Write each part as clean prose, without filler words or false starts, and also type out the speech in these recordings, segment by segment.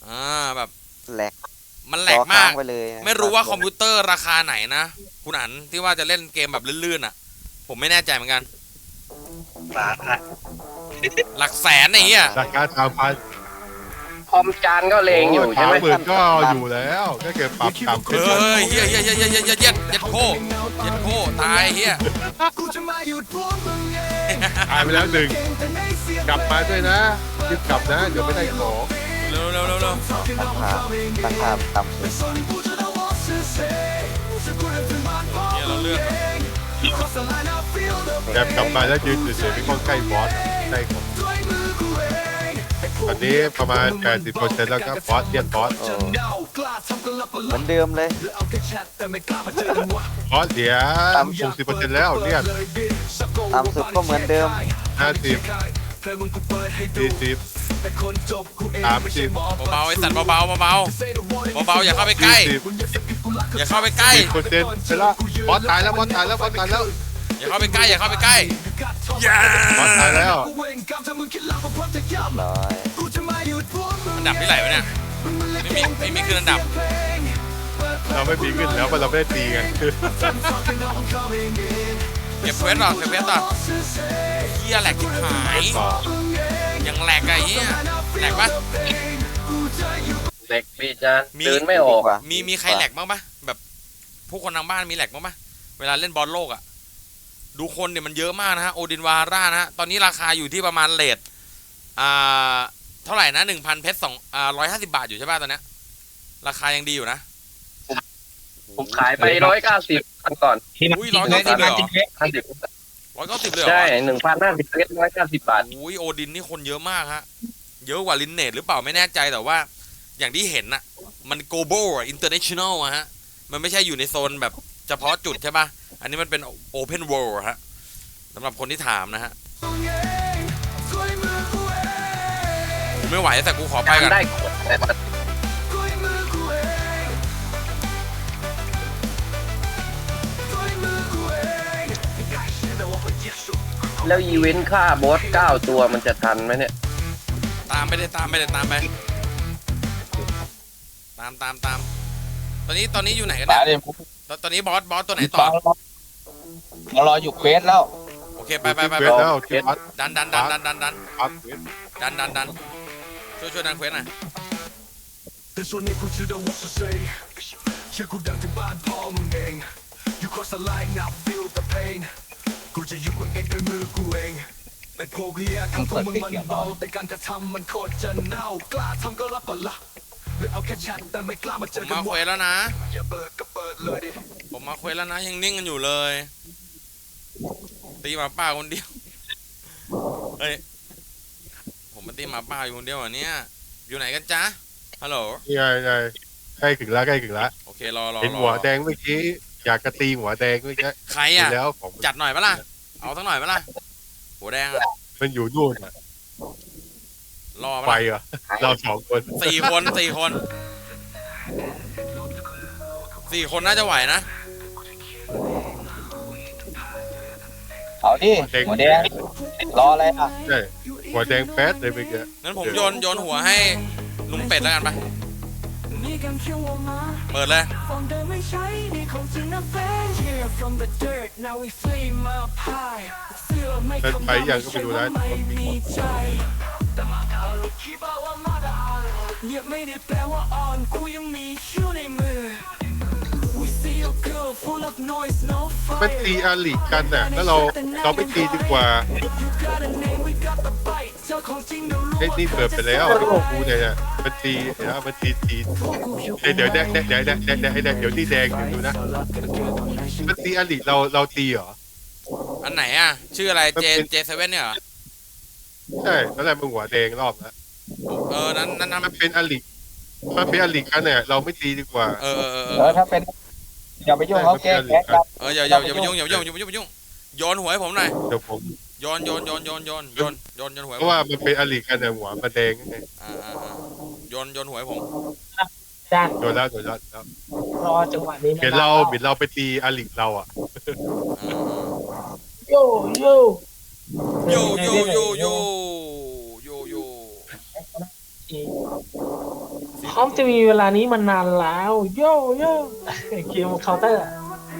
แบบแหลกมันแหลกมากไปเลยไม่รู้ว่าคอมพิวเตอร์ราคาไหนนะคุณอันที่ว่าจะเล่นเกมแบบลื่นๆอ่ะผมไม่แน่ใจเหมือนกันหลักแสนไอ้เหี้ยราคา3,000 คอมจานก็เลงอยู่ใช่ไหม 30,000ก็อยู่แล้วก็เก็บปรับต่ำเฮ้ยเฮียยัดโคตายเฮียตายไปแล้วหนึ่งกลับมาด้วยนะรีบกลับนะเดี๋ยวไม่ได้ของเร็วราคาต่ำสุดเฮียเราเลือกแบบกลับมาแล้วยืนเฉยๆไม่ต้องใกล้บอสใกล้ของตอนนี้ประมาณ 80% แล้วก็บอสเรียนบอสเหมือนเดิมเลยบอสเสีย 60% แล้วเรียนต่ำสุดก็เหมือนเดิม 50 40 30 เบาไอ้สัตว์เบาอย่าเข้าไปใกล้อย่าเข้าไปใกล้ 10%ไปแล้วบอสตายแล้วบอสตายแล้วอย่าเข้าไปใกล้อย่าเข้าไปใกล้บอสตายแล้วร้อยอันดับที่ไหนวะเนี่ยไม่มีขึ้นอันดับเราไม่มีขึ้นแล้วเพราะเราไม่ได้ตีกันเก็บเควสต่อเฮียแหลกที่หายยังแหลกไอ้เฮียแหลกปะเด็กพี่จานเดินไม่ออกมีใครแหลกบ้างปะแบบผู้คนทางบ้านมีแหลกบ้างปะเวลาเล่นบอลโลกอ่ะดูคนเนี่ยมันเยอะมากนะฮะโอดินวาร่านะฮะตอนนี้ราคาอยู่ที่ประมาณเรทเท่าไหร่นะ 1,000 เพชร150 บาทอยู่ใช่ป่ะตอนนี้ราคายังดีอยู่นะผมขายไป190อันก่อนอุ้ย190เลยเหรอ190เลยเหรอใช่1,050 เพชร190 บาทอุ้ยโอดินนี่คนเยอะมากฮะเยอะกว่าลินเนตหรือเปล่าไม่แน่ใจแต่ว่าอย่างที่เห็นน่ะมัน global อ่ะ international อ่ะฮะมันไม่ใช่อยู่ในโซนแบบเฉพาะจุดใช่ป่ะอันนี้มันเป็น open world ฮะสำหรับคนที่ถามนะฮะไม่ไหวแต่กูขอไปกันแล้วอีเวนต์ค่าบอส9 ตัวมันจะทันไหมเนี่ยตามไปตอนนี้อยู่ไหนกันเนี่ยตอนนี้บอสตัวไหนต่อเรารออยู่เควสแล้วโอเคไปดันช่วยดันเควสหน่อยกูจะอยู่เองด้วยมือกูเองแต่พวกเฮียทั้งพวกมึงมันเบาแต่การกระทำมันโคตรจะเน่ากล้าทำก็รับปะละหรือเอาแค่ชัดแต่ไม่กล้ามาเจอกันมาเควสแล้วนะอย่าเปิดก็เปิดเลยดิผมมาเควสแล้วนะยังนิ่งกันอยู่เลยตีหมาป่าคนเดียวเฮ้ยผมมาตีหมาป่าอยู่คนเดียวอันเนี้ยอยู่ไหนกันจ๊ะฮัลโหลใกล้ถึงแล้วโอเครอเห็นหัวแดงเมื่อกี้อยากกระตีหัวแดงเมื่อกี้ใครอ่ะจัดหน่อยปะล่ะเอาสักหน่อยปะล่ะหัวแดงอ่ะมันอยู่นู่นรอไปเหรอเรา2 คน 4 คนน่าจะไหวนะเอาดิหัวแดงรออะไรอ่ะใช่หัวแดงแป๊ดเลยเมื่อกี้งั้นผมโยนหัวให้ลุงเป็ดแล้วกันปะเปิดเลยเป็นไปยังก็ไปดูได้มันตีอาลีกันน่ะแล้วเราไม่ตีดีกว่าไอ้นี่เปิดไปแล้วกูเนี่ยมันตีนะมันตีเดี๋ยวที่แดงดูนะมันตีอาลีเราตีเหรออันไหนอ่ะชื่ออะไรJ7เนี่ยเหรอใช่แล้วอะไรมึงหัวแดงรอบนะนั้นมันเป็นอาลีกันเนี่ยเราไม่ตีดีกว่าถ้าเป็นอย่าไปยุ่งเขาแก้กันอย่าไปยุ่งโยนหัวให้ผมหน่อยเดี๋ยวผมโยนหัวเพราะว่ามันเป็นอาลีกันเนี่ยหัวมันแดงไงโยนหัวให้ผมโดนแล้วรอจังหวะนี้เห็นเราไปตีอาลีเราอ่ะโยสีพร้อมจะมีเวลานี้มานานแล้วโย่โย่เกมเคาน์เตอร์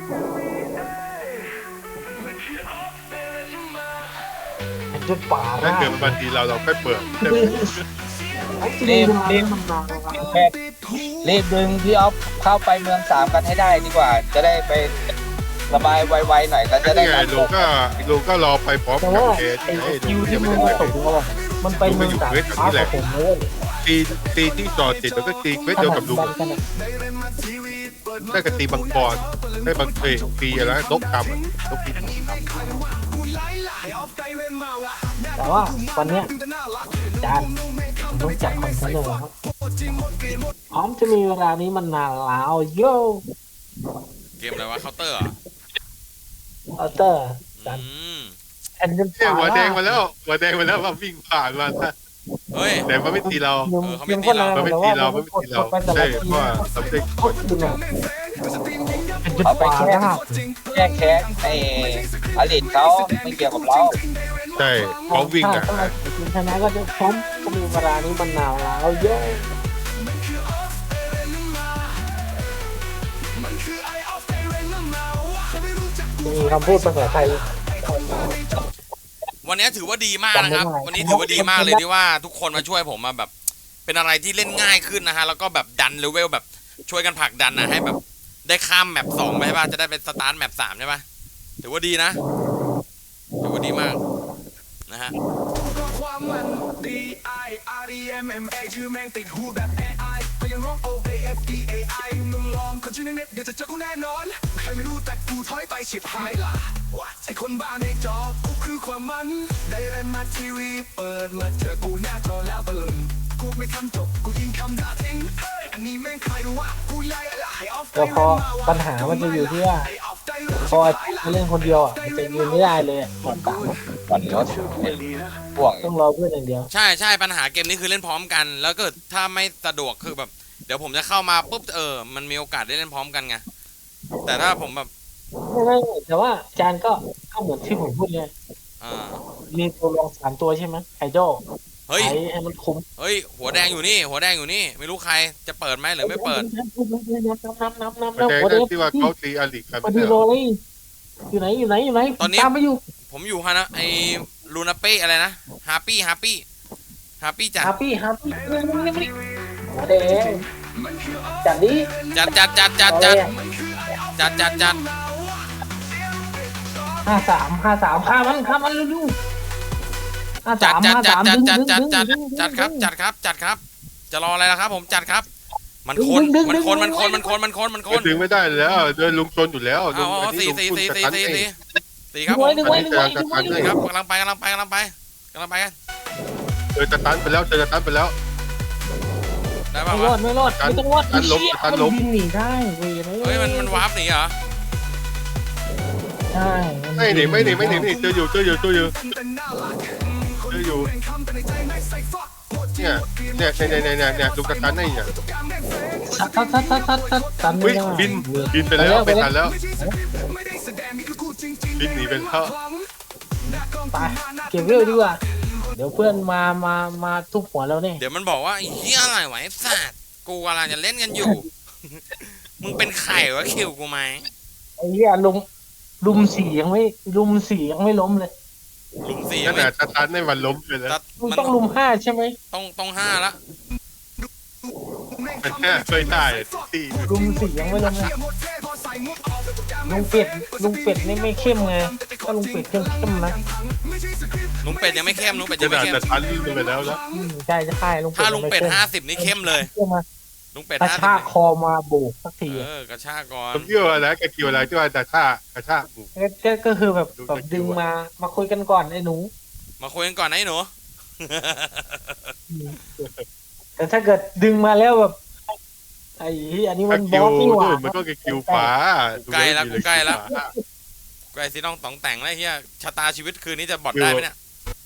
มันจะป่าถ้าได้เกิดบางทีเราค่อยเปิดรีบมันนานแล้วรีบดึงพี่ออฟเข้าไปเมือง3กันให้ได้ดีกว่า จะได้ไประบายไวๆหน่อยแล้วจะได้ไงลุงก็รอไปพร้อมแต่กับว่าเคสไอ้ให้คิลุวงที่ยังมัไม่นได้มาไปตกแล้วมันไปเมืองสามฟ้ากับผมเลยตีที่จอดติดแล้วก็ตีเควสเดียวกับลุงได้กับตีบังกรได้บังตีอะไรนกดำนกปีนแต่ว่าวันเนี้ยจานต้องจัดคอนเทนต์เลยครับพร้อมจะมีเวลานี้มันนานแล้วโย่เกมอะไรวะเคาน์เตอร์เหรออัลเตอร์จานมแอนเดนเนี่ยหัวแดงมาแล้วมาวิ่งผ่านมาเฮ้ยแต่มันไม่ตีเรายังก็นานมันไม่แต่ตีว่าเราไม่ตีเราไปแต่ใช่ละเพทีราะว่าเราได้โคตรดึงอ่ะแอนเดนเอาไปป่าแค่ได้แก้แค้นไอ้อลิทเขาไม่เกี่ยวกับเราใช่เขาวิ่งอ่ะถ้าทีมชนะก็จะพร้อมจะมีเวลานี้มันนานแล้วโย่มีคำพูดภาษาไทยวันนี้ถือว่าดีมากนะครับจำไม่ได้วันนี้ถือว่าดีมากเลยที่ว่าทุกคนมาช่วยผมมาแบบ เป็นอะไรที่เล่นง่ายขึ้นนะฮะแล้วก็แบบดันเลเวลแบบช่วยกันผลักดันนะให้แบบได้ข้ามแมป2ไปใช่ป่ะจะได้เป็นสตาร์ทแมป3ใช่ป่ะถือว่าดีนะถือว่าดีมากนะฮะความมัน D I R E M M A ชื่อแม่งติดหูแบบ AI ก็ยังร้อง O A F E A I มึงลองคนชื่อในเน็ตเดี๋ยวจะเจอกูแน่นอนใครไม่รู้แต่กูถอยไปฉิบหายละไอ้คนบ้าในจอกูคือความมันได้เล่นมาทีวีเปิดมาเจอกูหน้าจอแล้วตะลึงกูไม่ทำจบกูยิงคำด่าทิ้งเฮ้ยอันนี้แม่งใครรู้ว่ากูไล่ไอ้ออฟแต่พอปัญหามันจะอยู่ที่ว่าพอเล่นคนเดียวอ่ะมันจะยืนไม่ได้เลยของกลางวันรถพ่วงต้องรอเพื่อนอย่างเดียวใช่ใช่ปัญหาเกมนี้คือเล่นพร้อมกัน แล้วก็ถ้าไม่สะดวกคือแบบ เดี๋ยวผมจะเข้ามาปุ๊บมันมีโอกาสได้เล่นพร้อมกันไงแต่ถ้าผมแบบไม่แต่ว่าจานก็เหมือนที่ผมพูดเลยอ่ามีตัวรอง3ตัวใช่ไหมไคโจเฮ้ยใช้ให้มันคุ้มเฮ้ยหัวแดงอยู่นี่หัวแดงอยู่นี่ไม่รู้ใครจะเปิดไหมหรือไม่เปิดนับแต่หัวแดงที่ว่าเขาตีอลิกันพอดีโรเลยอยู่ไหนตามไปอยู่ผมอยู่ฮะนะไอ้ลูนาเป้อะไรนะฮาปี้จัดฮาปี้หัวแดงจัดดิจัด 53ฆ่ามันเร็วๆ53 จัด 53ดึงครับจะรออะไรล่ะครับ ผมจัดครับ มันคนถึงไม่ได้แล้วโดยลุงชนอยู่แล้วลุเอางอันนี้สี่ลุงพูดจะทันเองสี่ครับผมดึงไว้สี่ครับกำลังไปกันเจอจะตันไปแล้วได้ป่าวไม่รอวะดไม่ต้องรอดตันล้มมันหนีได้เว้ยเฮ้ยมันวาร์ปหนีเหรอใช่ไม่หนีเจออยู่เนี่ยลุงจะตันได้เนี่ยตันเฮ้ยบินไปแล้วไม่ทันแล้วบินหนีไปแล้วไปเก็บเวลดีกว่าเดี๋ยวเพื่อนมาทุบหัวเราเนี่ยเดี๋ยวมันบอกว่าไอ้เหี้ยอะไรวะไอ้สัตว์กูกำลังจะเล่นกันอยู่ มึงเป็นไข่วะคิวกูไหมไอ้เหี้ยลุม4ยังไม่ล้มเลยลุมสี่ขนาดจะตันในวันล้มไปแล้วมึงต้องลุม5ใช่ไหมต้องห้าละมันแค่ไม่ได้ที่ลุม4ยังไม่ล้มเลยลุงเป็ดนี่ไม่เข้มไงถ้าลุงเป็ดเข้มนะลุงเป็ดยังไม่เข้มลุงเป็ดขยังไม่นาดเข้มจะตันไปแล้วนะใช่จะใช่ลุงเป็ดถ้าลุงเป็ด50นี่เข้มเลยเข้มมาลุงเป็ดกระชากคอมาโบกสักทีกระชากก่อนผมเชื่อแล้วแกคิวอะไรที่ว่าจะกระชากหมูก็คือแบบดึงมาคุยกันก่อนไอ้หนูมาคุยกันก่อนนะไอ้หนูแต่ถ้าเกิดดึงมาแล้วแบบไอ้อันนี้มันบคิอวสนี่หว่านู่นมันก็คิวฟ้าใกล้สิน้องต้องแต่งแล้วเฮียชะตาชีวิตคืนนี้จะบอดได้ไหมเนี่ย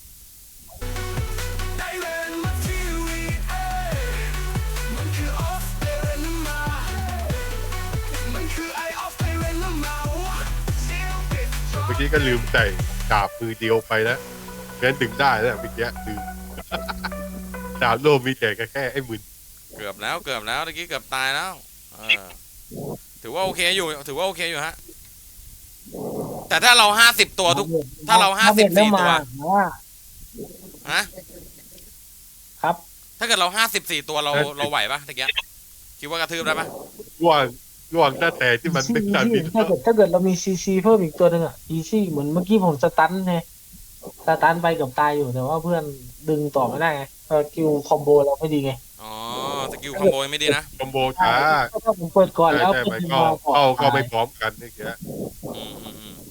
เมื่อกี้ก็ลืมใส่ดาบมือเดียวไปแล้วงั้นดึงได้แล้วเมื่อกี้ลืมดาบโลมมีแต่แค่ไอ้มึนเกือบแล้วเมื่อกี้เกือบตายแล้วถือว่าโอเคอยู่ฮะแต่ถ้าเรา50ตัวทุกถ้าเรา54ตัวว่าฮะครับถ้าเกิดเรา54ตัวเราไหวปะตะเกียคิดว่ากระทืบได้ปะร่วงตั้งแต่ที่มันไม่ทันมีถ้าเกิดเรามีซีซีเพิ่มอีกตัวหนึ่งอ่ะอีซี่เหมือนเมื่อกี้ผมสตันไงสตันไปกับตายอยู่แต่ว่าเพื่อนดึงต่อไม่ได้ไงคิวคอมโบเราไม่ดีไงอ๋อสกิลคอมโบไม่ดีนะคอมโบช้าถ้าผมเปิดก่อนแล้วใช่เป็นมันมาก่อนก็ไม่พร้อมกันนี่แกอืม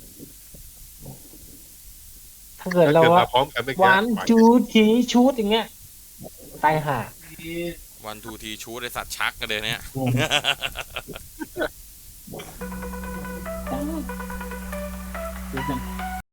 ถ้าเกิดถ้าเราเกิดว่ามาพร้อมกันไม่แกวันจูทีชูดอย่างเงี้ยตายห่าวันทูทีชูดไอสัตว์ชักกันเลยเนี่ย